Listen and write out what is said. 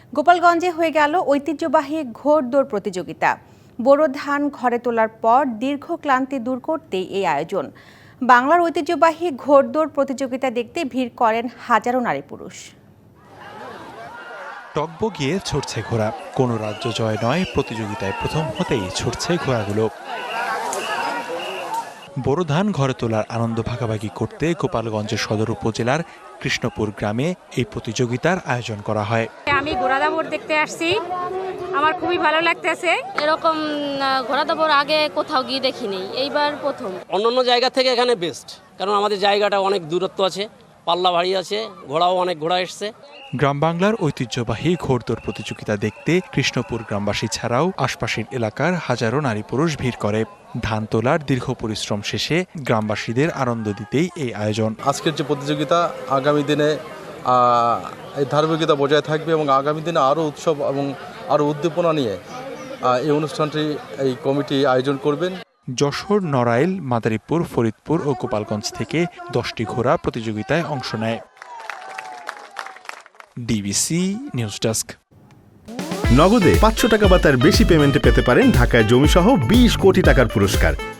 গোপালগঞ্জে হয়ে গেল ঐতিহ্যবাহী ঘোড়দৌড় প্রতিযোগিতা। বোরো ধান ঘরে তোলার পর দীর্ঘ ক্লান্তি দূর করতেই এই আয়োজন। বাংলার ঐতিহ্যবাহী ঘোড়দৌড় প্রতিযোগিতা দেখতে ভিড় করেন হাজারো নারী পুরুষ। টগবগিয়ে ছুটছে ঘোড়া, কোনো রাজ্য জয় নয়, প্রতিযোগিতায় প্রথম হতেই ছুটছে ঘোড়াগুলো। বোরো ধান ঘরে তোলার আনন্দ ভাগাভাগি করতে গোপালগঞ্জের সদর উপজেলার কৃষ্ণপুর গ্রামে এই প্রতিযোগিতার আয়োজন করা হয়। আমি ঘোড়া দৌড় দেখতে আসছি, আমার খুবই ভালো লাগতেছে। এরকম ঘোড়া দৌড় আগে কোথাও গিয়ে দেখিনি, এইবার প্রথম। অন্যান্য জায়গা থেকে এখানে বেস্ট, কারণ আমাদের জায়গাটা অনেক দূরত্ব আছে, পাল্লা ভারী আছে, ঘোড়াও অনেক ঘোড়া এসছে। গ্রাম বাংলার ঐতিহ্যবাহী ঘোড়দৌড় প্রতিযোগিতা দেখতে কৃষ্ণপুর গ্রামবাসী ছাড়াও আশপাশের এলাকার হাজারো নারী পুরুষ ভিড় করে। ধান তোলার দীর্ঘ পরিশ্রম শেষে গ্রামবাসীদের আনন্দ দিতেই এই আয়োজন। আজকের যে প্রতিযোগিতা আগামী দিনে এই ধারাবাহিকতা বজায় থাকবে এবং আগামী দিনে আরও উৎসব এবং আরও উদ্দীপনা নিয়ে এই অনুষ্ঠানটি এই কমিটি আয়োজন করবেন। যশোর, নড়াইল, মাদারীপুর, ফরিদপুর ও গোপালগঞ্জ থেকে 10টি ঘোড়া প্রতিযোগিতায় অংশ নেয়। DBC news desk. নগদে 500 টাকা বা তার বেশি পেমেন্টে পেতে পারেন ঢাকায় জমিসহ 20 কোটি টাকার পুরস্কার।